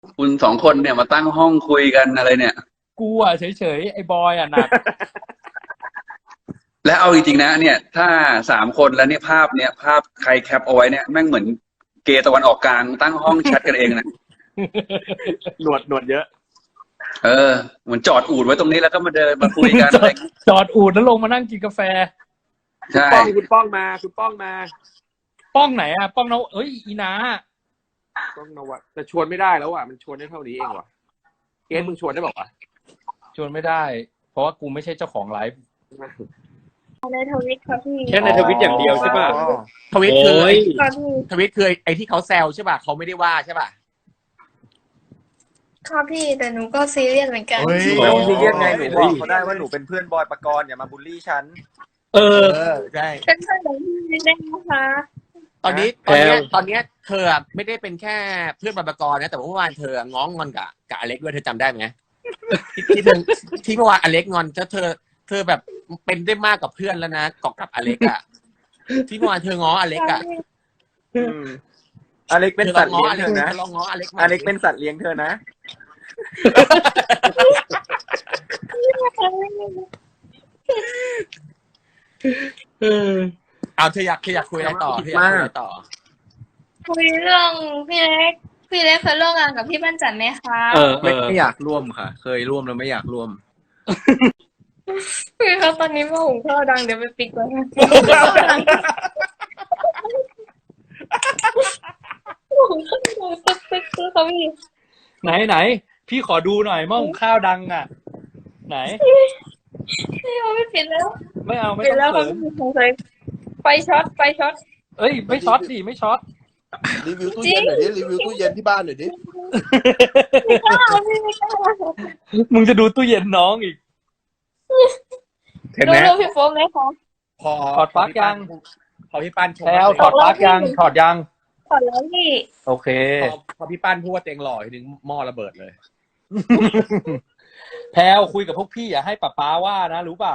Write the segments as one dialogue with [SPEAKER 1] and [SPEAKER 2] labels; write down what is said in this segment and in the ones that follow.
[SPEAKER 1] คุณสองคนเนี่ยมาตั้งห้องคุยกันอะไรเนี่ย
[SPEAKER 2] กูอ่ะเฉยๆไอ้บอยอ่ะหนัก
[SPEAKER 1] และเอาจริงๆนะเนี่ยถ้า3 คนแล้วเนี่ยภาพใครแคปเอาไว้เนี่ยแม่งเหมือนเกย์ตะวันออกกลางตั้งห้องแชทกันเองนะ
[SPEAKER 3] หนวดเยอะ
[SPEAKER 1] เออเหมือนจอดอูฐไว้ตรงนี้แล้วก็มาเดินมาคุยกันอะไร
[SPEAKER 2] จอดอูดแล้วลงมานั่งกินกาแฟ
[SPEAKER 1] ใช่
[SPEAKER 3] คุณป้องมา
[SPEAKER 2] ป้องไหนอ่ะป้องเราเอ้ยอีนา
[SPEAKER 3] ป้องนวัดแต่ชวนไม่ได้แล้วอ่ะมันชวนได้เท่านี้เองว่ะเกสมึงชวนได้บอกว่ะ
[SPEAKER 2] ชวนไม่ได้ เพราะว่ากูไม่ใช่เจ้าของไลฟ์
[SPEAKER 4] ในทวิตค่ะพี่
[SPEAKER 3] แค่ในทวิตอย่างเดียวใช่ป่ะทวิตคือทวิตคือไอ้ที่เขาแซวใช่ป่ะเขาไม่ได้ว่าใช่ป่ะ
[SPEAKER 4] ค่ะพี่แต่หนูก็ซีเรียสเหมือนกัน
[SPEAKER 3] ไม่ต้องซีเรียสไงหนูบอกเขาได้ว่าหนูเป็นเพื่อนบอยปกรณ์อย่ามาบูลลี่ฉันใช่
[SPEAKER 4] เป็นเพื่อนของพี่ได้นะคะ
[SPEAKER 3] ตอนนี้เธอไม่ได้เป็นแค่เพื่อนบอยปกรณ์นะแต่เมื่อวานเธอง้องงอนกับอเล็กด้วยเธอจำได้ไหมที่เมื่อวานอเล็กงอนเธอแบบเป็นได้มากกว่าเพื่อนแล้วนะกับอเล็กอ่ะที่เมื่อวานเธอง้ออเล็กอ่ะอเล็กเป็นสัตว์เลี้ยงเธอนะลองง้ออเล็กเป็นสัตว์เลี้ยงเธอนะเอาเธออยากคุยอะไรต่อ
[SPEAKER 4] คุยเรื่องพี่เล็กเคยร่วมงานกับพี่ปั้นจันไหมคะ
[SPEAKER 3] ไม่อยากร่วมค่ะเคยร่วมแล้วไม่อยากร่วม
[SPEAKER 4] พี่เขาตอนนี้มาหุงข้าวดังเดี๋ยวไปปิดก่อนหุงข้าวดังตึ๊กเขาพี่
[SPEAKER 2] ไหนพี่ขอดูหน่อยหม้อหุงข้าวดังอ่ะไหน
[SPEAKER 4] พี่เขาไม่ปิดแล้ว
[SPEAKER 2] ไม่เอาไม่
[SPEAKER 4] ปิดแล้ว
[SPEAKER 2] ต้องเสริม
[SPEAKER 4] ไฟช็อต
[SPEAKER 2] เอ้ยไม่ช็อตดิไม่ช็อต
[SPEAKER 5] รีวิวตู้เย็นหน่อยดิรีวิวตู้เย็นที่บ้านหน่อยดิ
[SPEAKER 2] มึงจะดูตู้เย็นน้องอีก
[SPEAKER 3] เห็นไหม
[SPEAKER 4] ดูพี่โฟมไหมคะ
[SPEAKER 3] พอ
[SPEAKER 2] ถอดปลั๊กยัง
[SPEAKER 3] พอพี่ปั้น
[SPEAKER 2] แล้วถอดปลั๊กยังถอดยัง
[SPEAKER 4] ถอดแล้วพี่
[SPEAKER 2] โอเค
[SPEAKER 3] พอพี่ปั้นพูดว่าเต็งหล่อทีนึงหม้อระเบิดเลย
[SPEAKER 2] แพลวคุยกับพวกพี่อย่าให้ป๊าป๊าว่านะรู้เปล่า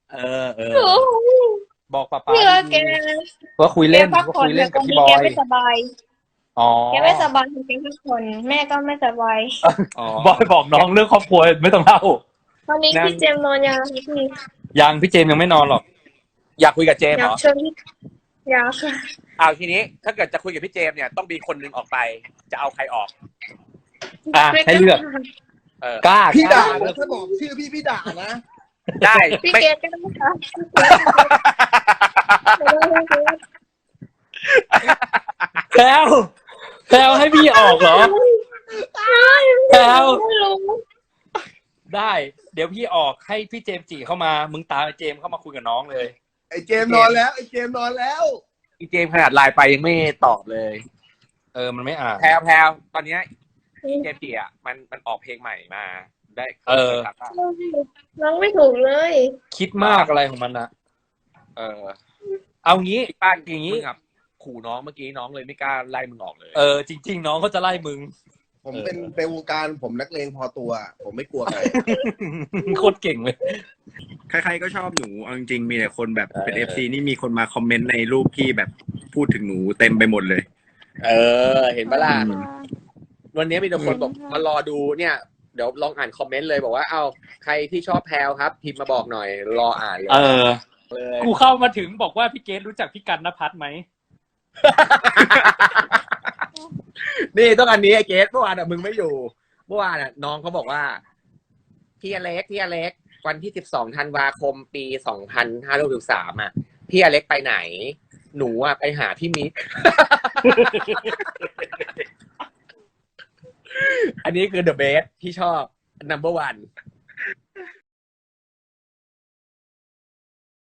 [SPEAKER 2] บอกป๊าป๊าว่าคุยเล่นกับพี่บอย
[SPEAKER 4] แกไม่สบาย
[SPEAKER 2] อ๋อ
[SPEAKER 4] แกไม่สบายจริงๆทุกคนแม่ก็ไม่สบาย
[SPEAKER 2] บอยบอกน้องเรื่องครอบครัวไม่ต้องเล่า
[SPEAKER 4] ตอนนี้พี่เจมนอนยังพี่
[SPEAKER 2] พี่เจมยังไม่นอนหรอก
[SPEAKER 3] อยากคุยกับเจมเหรอ
[SPEAKER 4] อยากเชิญอยากค่ะ
[SPEAKER 3] เอาทีนี้ถ้าเกิดจะคุยกับพี่เจมเนี่ยต้องมีคนนึงออกไปจะเอาใครออก
[SPEAKER 2] ให้เลือกกล้า
[SPEAKER 5] พี่ด่าถ้าบอกชื่อพี่ด่านะ
[SPEAKER 3] ได้
[SPEAKER 4] พี่เกดก็ได้ค่ะ
[SPEAKER 2] แพลวให้พี่ออกเหรอแพลวได้เดี๋ยวพี่ออกให้พี่เจมจีเข้ามามึงตามไอ้เจมเข้ามาคุยกับน้องเลย
[SPEAKER 5] ไอ้เจมนอนแล้ว
[SPEAKER 3] อีเจมขนาดไลน์ไปยังไม่ตอบเลย
[SPEAKER 2] มันไม่อ่าน
[SPEAKER 3] แพลวตอนนี้เจมจีอ่ะมันออกเพลงใหม่มาได้
[SPEAKER 4] น้องไม่ถูกเลย
[SPEAKER 2] คิดมากอะไรของมันนะเอางี้
[SPEAKER 3] ป้านอย่างงี้ครับขู่น้องเมื่อกี้น้องเลยไม่กล้าไล่มึงออกเลย
[SPEAKER 2] จริงๆน้องเขาจะไล่มึง
[SPEAKER 5] ผมเป็นวงการผมนักเลงพอตัวผมไม่กลัวใคร
[SPEAKER 2] โคตรเก่งเลย
[SPEAKER 3] ใครๆก็ชอบหนูเอาจริงๆมีแต่คนแบบเป็น FC นี่มีคนมาคอมเมนต์ในรูปที่แบบพูดถึงหนูเต็มไปหมดเลยเห็นปะล่ะวันนี้มีแต่คนบอกมารอดูเนี่ยเดี๋ยวลองอ่านคอมเมนต์เลยบอกว่าใครที่ชอบแพลวครับพิมพ์มาบอกหน่อยรออ่านเลย
[SPEAKER 2] กูเข้ามาถึงบอกว่าพี่เกดรู้จักพี่กันณภัทรไหม
[SPEAKER 3] นี่ต้องอันนี้ไอ้เกดเมื่อวานมึงไม่อยู่เมื่อวานน้องเขาบอกว่าพี่อเล็กวันที่12 ธันวาคมปี2563พี่อเล็กไปไหนหนูไปหาพี่มิกอันนี้คือ the best ที่ชอบ number one